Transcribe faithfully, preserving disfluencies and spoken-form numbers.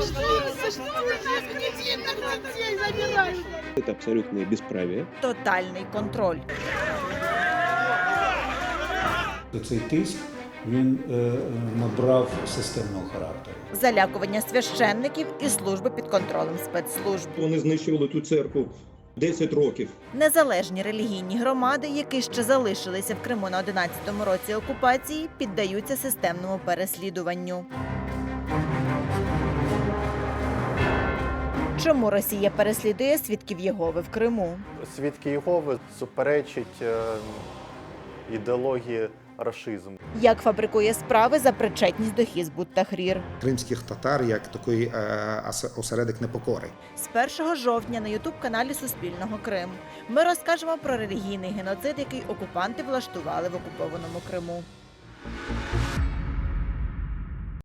Пожалуйста, что вы нас, детей, детей забираете? Это абсолютное бесправие. Тотальний контроль. Цей тиск він е, набрав системного характеру. Залякування священників і служби під контролем спецслужб. Вони знищували ту церкву десять років. Незалежні релігійні громади, які ще залишилися в Криму на одинадцятому році окупації, піддаються системному переслідуванню. Чому Росія переслідує свідків Єгови в Криму? Свідки Єгови суперечить е, ідеології рашизму. Як фабрикує справи за причетність до Хізбут Тахрір? Кримських татар як такий е, осередок непокори. З першого жовтня на ютуб-каналі Суспільного Крим ми розкажемо про релігійний геноцид, який окупанти влаштували в окупованому Криму.